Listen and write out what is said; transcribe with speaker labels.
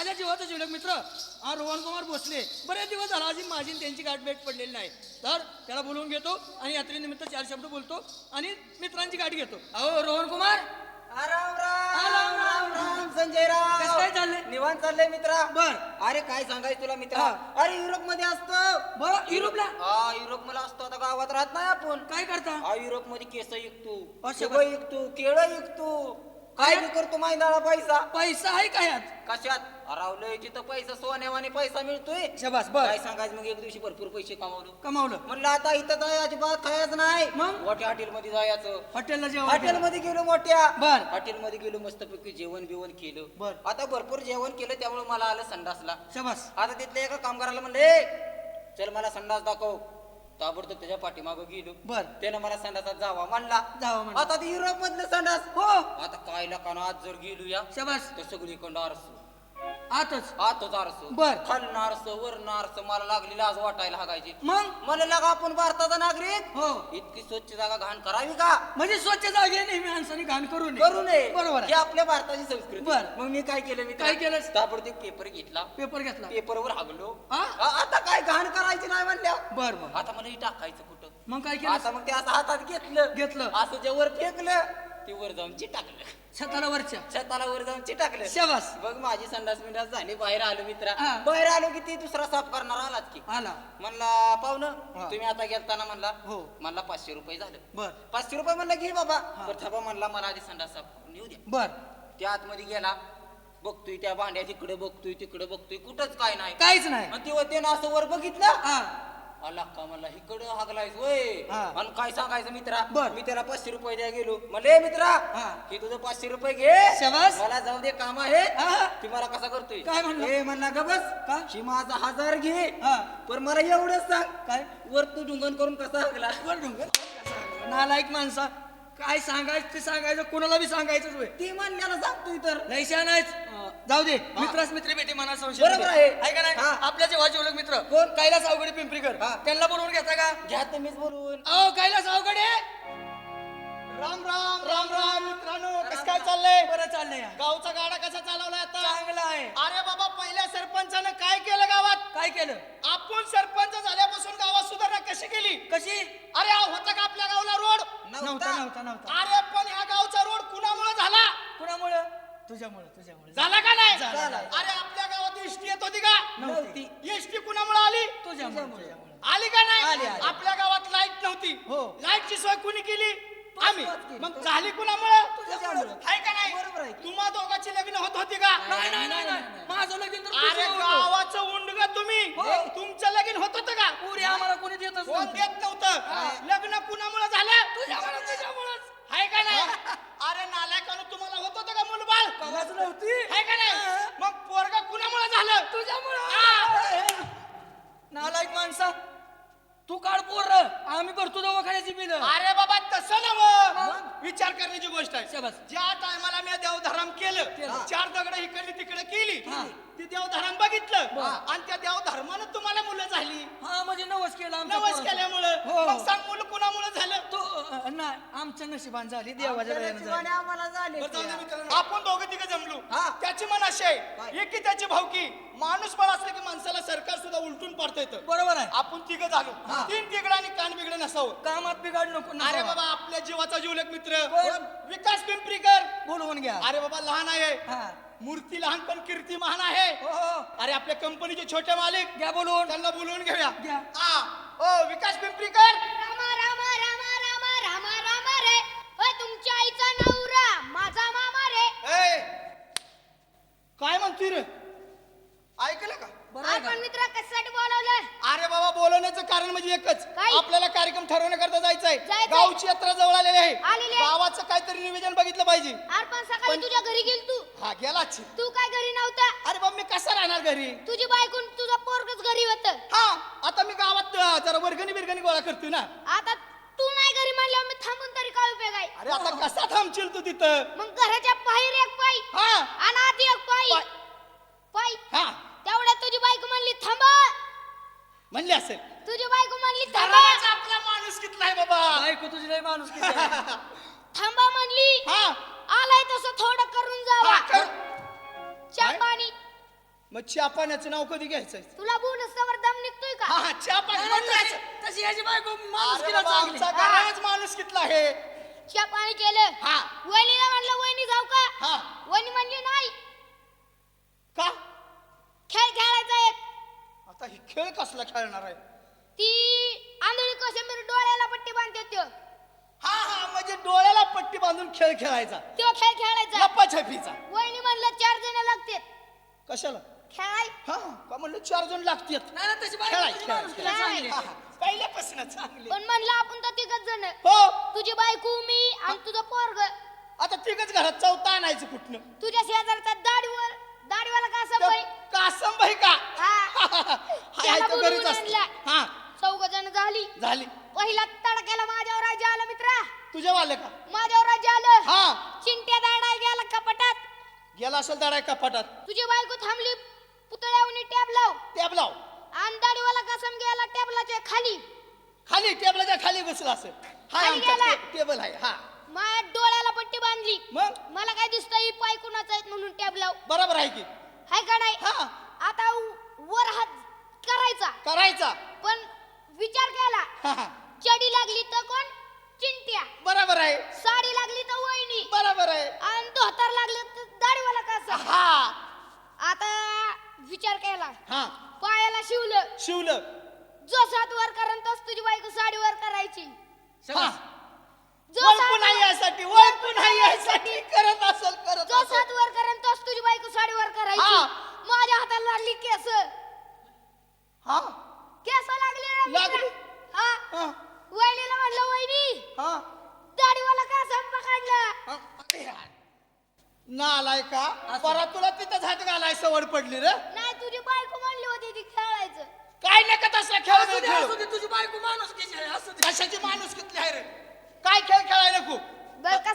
Speaker 1: माझ्या जीवाचा जीवलग मित्र रोहन कुमार भोसले बरेच दिवस झाला अजून माझी त्यांची गाठ भेट पडलेली नाही. तर त्याला बोलवून घेतो आणि यात्रेनिमित्त 4 शब्द बोलतो आणि मित्रांची गाठ घेतो. अहो रोहन कुमार.
Speaker 2: राम राम राम राम संजय राव.
Speaker 1: कसं काय चाललंय?
Speaker 2: निवांत चाललंय मित्रा.
Speaker 1: बर.
Speaker 2: अरे काय सांगायचं तुला मित्रा. अरे युरोप मध्ये असतो.
Speaker 1: बरं युरोपला.
Speaker 2: हा युरोप मध्ये असतो. आता गावात राहत नाही आपण.
Speaker 1: काय करता?
Speaker 2: हा युरोप मध्ये केस विकतो,
Speaker 1: असं
Speaker 2: सगळं विकतो, केळं विकतो, काय बी करतो. मैदाळा पैसा
Speaker 1: पैसा आहे का यात?
Speaker 2: कशात रावलंय तिथं पैसा सोन्यावाने पैसा मिळतोय.
Speaker 1: शबास. बर.
Speaker 2: काय सांगायचं मग एक दिवशी भरपूर पैसे
Speaker 1: कमावलं.
Speaker 2: म्हणलं आता इथं जाय अजिबात खायचं नाही.
Speaker 1: मग?
Speaker 2: मोठ्या हॉटेल मध्ये जायचं.
Speaker 1: हॉटेलला जेवण.
Speaker 2: हॉटेल मध्ये गेलो मोठ्या.
Speaker 1: बर.
Speaker 2: हॉटेल मध्ये गेलो मस्तपैकी जेवण बिवण केलं.
Speaker 1: बर.
Speaker 2: आता भरपूर जेवण केलं त्यामुळे मला आलं संडासला.
Speaker 1: शबास.
Speaker 2: आता तिथल्या एका कामगाराला म्हणले चल मला संडास दाखव. ताबडतोब त्याच्या पाठीमागं गेलो.
Speaker 1: बर.
Speaker 2: त्यानं मला संडासात जावा म्हणला. आता ते युरोप मधलं संडास.
Speaker 1: हो.
Speaker 2: आता काय लकान आज जर गेलो या
Speaker 1: शबास.
Speaker 2: तर सगळीकडं आरस
Speaker 1: आतच.
Speaker 2: आतच आरस.
Speaker 1: बर.
Speaker 2: खालनं आरस वरनं आरस. मला लागली लाज वाटायला हागायची.
Speaker 1: मग
Speaker 2: मला लागा आपण भारताचा नागरिक
Speaker 1: हो
Speaker 2: इतकी स्वच्छ जागा घाण करावी का?
Speaker 1: म्हणजे स्वच्छ जागे नेहमी माणसाने घाण करू
Speaker 2: करू नये.
Speaker 1: बरोबर
Speaker 2: ही आपल्या भारताची संस्कृती.
Speaker 1: बर.
Speaker 2: मग मी काय केलं? मी
Speaker 1: काय केलं?
Speaker 2: ताबडतोब पेपर घेतला.
Speaker 1: पेपर घेतला.
Speaker 2: पेपरवर हागलो.
Speaker 1: हा?
Speaker 2: आता काय घाण करायची नाही म्हणल्या.
Speaker 1: बर बर.
Speaker 2: आता मला हे टाकायचं कुठं?
Speaker 1: मग काय केलं?
Speaker 2: आता मग ते असं हातात घेतलं. असं जे वर फेकलं ते वर जाऊन चिटाकलं.
Speaker 1: छताला वरच्या.
Speaker 2: छताला वर जाऊन चिटाकलं.
Speaker 1: शबास.
Speaker 2: बघ माझी संडास मिंडास झाली. बाहेर आलो मित्रा.
Speaker 1: हा.
Speaker 2: बाहेर आलो की ती दुसरा साफ करणार आलाच की.
Speaker 1: आला.
Speaker 2: म्हणला पाहुणं
Speaker 1: हा.
Speaker 2: तुम्ही आता गेलताना म्हणला
Speaker 1: हो.
Speaker 2: म्हणला 500 रुपये झालं.
Speaker 1: बर.
Speaker 2: 500 रुपये म्हणलं घे बाबा. तर थांबा म्हणला मला आधी संडास साफ करून येऊ द्या.
Speaker 1: बर.
Speaker 2: त्या आतमध्ये गेला. बघतोय त्या भांड्या तिकडे बघतोय तिकडे बघतोय कुठंच काय नाही.
Speaker 1: काहीच नाही.
Speaker 2: आणि तेव्हा त्यानं असं वर बघितलं.
Speaker 1: हा.
Speaker 2: आला का म्हणला इकडं हागलायस वय.
Speaker 1: हा.
Speaker 2: आणि काय सांगायचं मित्रा.
Speaker 1: बर.
Speaker 2: मी त्याला 500 रुपये द्या गेलो. म्हणले मित्रा
Speaker 1: हा.
Speaker 2: की तुझं 500 रुपये घे.
Speaker 1: शबास.
Speaker 2: मला जाऊ दे काम आहे.
Speaker 1: हा.
Speaker 2: ती मला कसा करतोय
Speaker 1: काय म्हणला?
Speaker 2: हे म्हणला ग बस
Speaker 1: का?
Speaker 2: ही माझा 1000 घे.
Speaker 1: हा.
Speaker 2: पण मला एवढंच सांग
Speaker 1: काय?
Speaker 2: वर तू ढुंगण करून कसा हागला?
Speaker 1: वर ढुंगण. नालायक माणसा. काय सांगायचं ते सांगायचं कोणाला बी सांगायचंच होय.
Speaker 2: ती म्हणल्याला सांगतोय तर
Speaker 1: लयशा नाहीच. जाऊ दे. मित्रास मित्री भेटी मना संशय
Speaker 2: बरोबर आहे.
Speaker 1: का नाही?
Speaker 2: हा.
Speaker 1: आपल्या जेव्हा जेवढे मित्र
Speaker 2: कोण?
Speaker 1: कैलास अवघडे पिंपरीकर
Speaker 2: हा.
Speaker 1: त्यांना बोलवून घेता का?
Speaker 2: घ्या तुम्हीच बोलून.
Speaker 1: अहो कैलास अवघडे.
Speaker 3: राम राम राम राम मित्रांनो, कसं काय चाललंय?
Speaker 1: बरं चाललंय.
Speaker 3: गावचा गाडा कसा चालवलाय आता?
Speaker 1: चांगला आहे.
Speaker 3: अरे बाबा, पहिल्या सरपंचानं काय केलं गावात?
Speaker 1: काय केलं?
Speaker 3: आपण सरपंच झाल्यापासून गावात सुधारणा कशी केली?
Speaker 1: कशी?
Speaker 3: अरे होता का आपल्या गावला रोड?
Speaker 1: नव्हता.
Speaker 3: अरे पण ह्या गावचा रोड कुणामुळे झाला?
Speaker 1: कुणामुळं? तुझ्यामुळे
Speaker 3: झाला का नाही?
Speaker 1: झाला.
Speaker 3: अरे आपल्या गावात एसटी येत होती का?
Speaker 1: नव्हती.
Speaker 3: एसटी कुणामुळे आली?
Speaker 1: तुझ्यामुळे.
Speaker 3: आली का नाही?
Speaker 1: आली.
Speaker 3: आपल्या गावात लाईट नव्हती.
Speaker 1: हो.
Speaker 3: लाईटची सोय कुणी केली? आम्ही.
Speaker 1: केली.
Speaker 3: मग झाली कुणामुळे?
Speaker 1: तुझ्यामुळं.
Speaker 3: आहे का नाही?
Speaker 1: बरोबर आहे.
Speaker 3: तुम्हा दोघांची लग्न होत होती का?
Speaker 1: नाही. माझं लगीन तर
Speaker 3: अरे
Speaker 1: तुझं होतं.
Speaker 3: गावाचं उंडग तुम्ही.
Speaker 1: हो.
Speaker 3: तुमचं लगीन होत होतं का?
Speaker 1: पुरी आम्हाला कोणी देतच
Speaker 3: कोण
Speaker 1: नव्हतं.
Speaker 3: देत नव्हतं. लग्न कुणामुळे झालं?
Speaker 1: तुझ्यामुळंच.
Speaker 3: आहे का नाही? अरे नालायकानं तुम्हाला होत होतं का मुलबाळ?
Speaker 1: कवाच नव्हती.
Speaker 3: आहे का नाही? मग पोरगा कुणामुळे झालं?
Speaker 1: तुझ्यामुळं. नालायक माणसा. तू काढ पोर आम्ही भरतो दवाखान्याची बिल.
Speaker 3: अरे बाबा तसं नव्हं. विचार करण्याची गोष्ट आहे.
Speaker 1: शाबास.
Speaker 3: ज्या टायमाला मी देवधर्म केलं,
Speaker 1: केलं.
Speaker 3: 4 दगड इकडली तिकडे केली,
Speaker 1: हा.
Speaker 3: ती देवधर्म बघितलं आणि त्या देवधर्मानं तुम्हाला मुलं झाली.
Speaker 1: हा म्हणजे नवस केला आमच्या
Speaker 3: नवस
Speaker 1: पोराचं.
Speaker 3: केल्यामुळं.
Speaker 1: हो.
Speaker 3: मग सांग मुलं कुणामुळे झालं?
Speaker 1: तो नाही आमच्या नशिबान झाली देवाच्या दयेनं झाली.
Speaker 2: आम्हाला झाले.
Speaker 3: बरं, जाऊ दे मित्रांनो. आपण दोघं तिघं जमलो.
Speaker 2: हा.
Speaker 3: त्याची मन अशी आहे एकी त्याची भावकी. माणूस बळ असलं की माणसाला सरकार सुद्धा उलटून पाडता येतं.
Speaker 1: बरोबर आहे.
Speaker 3: आपण तिघं झालो. 3 तिघडं आणि कान बिघडं नसावं.
Speaker 1: कामात बिघाड नको
Speaker 3: अरे
Speaker 1: नसावा.
Speaker 3: बाबा, आपल्या जीवाचा जीवलग मित्र
Speaker 1: कोण?
Speaker 3: विकास पिंपरीकर.
Speaker 1: बोलवून घ्या.
Speaker 3: अरे बाबा, लहान आहे,
Speaker 1: हा.
Speaker 3: मूर्ती लहान पण कीर्ती महान आहे.
Speaker 1: हो.
Speaker 3: अरे आपल्या कंपनीचे छोटे मालिक,
Speaker 1: घ्या बोलवून.
Speaker 3: त्यांना बोलवून घेऊया.
Speaker 1: घ्या.
Speaker 3: ओ विकास पिंपरीकर.
Speaker 4: रामा रामा रामा रामा रामा रामा रे. होय तुमच्या आईचा नवरा माझा मामा रे.
Speaker 3: ए, काय म्हणतोय रे? ऐकलं का?
Speaker 1: बरं आहे का?
Speaker 4: आपण मित्र कशासाठी बोलावलं?
Speaker 3: अरे बाबा, बोलवण्याचं कारण म्हणजे एकच.
Speaker 4: काय?
Speaker 3: आपल्याला कार्यक्रम ठरवण्याकरता जायचंय.
Speaker 4: जायचंय.
Speaker 3: गावची यात्रा जवळ आलेली आहे.
Speaker 4: आलेली आहे.
Speaker 3: गावाचं काहीतरी निवेदन बघितलं पाहिजे.
Speaker 4: अरे पण सकाळी
Speaker 3: पण-
Speaker 4: तुझ्या घरी गेल तू.
Speaker 3: हा गेलाच.
Speaker 4: तू काय घरी नव्हता?
Speaker 3: अरे बाबा, मी कसा राहणार घरी?
Speaker 4: तुझी बायकून तुझा पोरगच घरी होत.
Speaker 3: हा, आता मी गावात जरा वर्गणी बिरगणी गोळा करतोय ना.
Speaker 4: आता तू नाही घरी म्हणल्यावर मी थांबून तरी काय उपयोग आहे?
Speaker 3: अरे आता कसा थांबशील तू तिथं?
Speaker 4: मग घराच्या बाहेर एक पाय
Speaker 3: हा.
Speaker 4: आणि आत एक पाय. पाय
Speaker 3: हा,
Speaker 4: तेवढ्यात तुझी बायको म्हणली थांबा.
Speaker 3: म्हणले असेल.
Speaker 4: तुझी बायको म्हणली थांबा.
Speaker 3: घराचा आपला माणूस कितला आहे बाबा?
Speaker 1: बायको तुझी लय माणूस किती आहे.
Speaker 4: थांबा म्हणली.
Speaker 3: हा.
Speaker 4: आलाय तसं थोडं करून जावा.
Speaker 3: हा, कर.
Speaker 4: चहा
Speaker 3: काय?
Speaker 4: पाणी
Speaker 3: मग चहा पाण्याचं नाव कधी घ्यायचं
Speaker 4: तुला बोनसवर दम निघतोय का
Speaker 3: हा चहा पाणी म्हणलाच.
Speaker 1: तशी याची बायको
Speaker 3: अरे
Speaker 1: माणुसकीला
Speaker 3: बाबा,
Speaker 1: चांगली.
Speaker 3: आमचा घराच माणूस कितला आहे.
Speaker 4: चहा पाणी केलं
Speaker 3: हा.
Speaker 4: वहिनीला म्हणलं वहिनी जाऊ का
Speaker 3: हा.
Speaker 4: वहिनी म्हणली नाही
Speaker 3: का
Speaker 4: खेळ खेळायचा एक
Speaker 3: आता ही खेळ कसला खेळणार आहे.
Speaker 4: ती आंधळी कोशिंबीर डोळ्याला पट्टी बांधते त्यो
Speaker 3: हा हा म्हणजे डोळ्याला पट्टी बांधून खेळ खेळायचा.
Speaker 4: त्यो खेळ खेळायचा
Speaker 3: लपाछपीचा.
Speaker 4: वहिनी म्हणलं 4 जण लागते
Speaker 3: कशाला
Speaker 4: खेळाय
Speaker 3: हा का म्हणलं 4 जण लागतात.
Speaker 1: नाही ना तशी बायको
Speaker 3: खेळाय,
Speaker 1: तुझी
Speaker 3: खेळाय,
Speaker 1: माणुसकीला
Speaker 4: खेळाय.
Speaker 1: चांगली.
Speaker 3: हा, हा. पहिल्यापासून चांगली.
Speaker 4: पण म्हणलं आपण तर 3 जण
Speaker 3: हो
Speaker 4: तुझी बायको मी आणि तुझं पोरग
Speaker 3: आता तिघच घरात चौथा आणायचं कुठनं.
Speaker 4: तुझ्या शेजारचा दाढीवाला का असं बाई
Speaker 3: कासम भाई का
Speaker 4: हा त्याला
Speaker 3: तो
Speaker 4: बोलवून
Speaker 3: घरीच असतो.
Speaker 4: आणला.
Speaker 3: हा
Speaker 4: 4 जण झाली
Speaker 3: झाली.
Speaker 4: पहिला तडक्याला माझ्यावर राज्य आलं मित्रा
Speaker 3: तुझ्या वाले का
Speaker 4: माझ्यावर राज्य आलं
Speaker 3: हा
Speaker 4: चिंट्या दाडाय गेला कपाटात
Speaker 3: गेला असेल दाडा कपाटात.
Speaker 4: तुझी बायको थांबली पुतळ्यावनी टॅब लाव
Speaker 3: टॅब लाव.
Speaker 4: आणि दाढीवाला कसम गेला टॅबलाच्या खाली
Speaker 3: खाली टेबलाच्या खाली बसला असेल. हा
Speaker 4: खाली गेला.
Speaker 3: टेबल आहे. हा
Speaker 4: माझ्या डोळ्याला पट्टी बांधली
Speaker 3: मग
Speaker 4: मला काय दिसतं ही पाय कुणाचा आहेत म्हणून टॅब लाव
Speaker 3: बरोबर आहे की.
Speaker 4: हाय का नाही
Speaker 3: हा
Speaker 4: आता वर हात करायचा
Speaker 3: करायचा.
Speaker 4: पण विचार केला
Speaker 3: हा, हा.
Speaker 4: चडी लागली तर कोण चिंट्या
Speaker 3: बरोबर आहे.
Speaker 4: साडी लागली तर वहिनी
Speaker 3: बरोबर आहे.
Speaker 4: आणि धोतर लागलं तर दाढीवाला कसा
Speaker 3: हा
Speaker 4: आता विचार केला
Speaker 3: हा
Speaker 4: पायाला शिवलं
Speaker 3: शिवलं.
Speaker 4: जो 7 वर करण तोच तुझी बायको साडी वर करायची
Speaker 3: हा
Speaker 4: जो
Speaker 3: वळखून
Speaker 4: 7
Speaker 3: आहे यासाठी वळखून आहे यासाठी करत असेल करत
Speaker 4: जो
Speaker 3: असेल.
Speaker 4: 7 वर करण तोच तुझी बायको साडी वर करायची
Speaker 3: हा.
Speaker 4: माझ्या हाताला लागली केस
Speaker 3: हा
Speaker 4: केस लागली रे मित्रा.
Speaker 3: लागली?
Speaker 4: हा
Speaker 3: हा
Speaker 4: वहिनीला म्हणलं वहिनी
Speaker 3: हा
Speaker 4: दाढीवाला का संप काढला
Speaker 3: हा. नालाय का परत तुला तिथंच हात घालाय सवड पडली रे.
Speaker 4: नाही तुझी बायको म्हणली होती ती खेळायचं
Speaker 3: काय नका तसला खेळ
Speaker 1: असू दे,
Speaker 3: खेळू.
Speaker 1: असू दे, तुझी बायको माणुसकीची आहे, असू दे.
Speaker 3: कशाची माणूस किती आहे रे. काय खेळ खेळायला खूप
Speaker 4: बरं का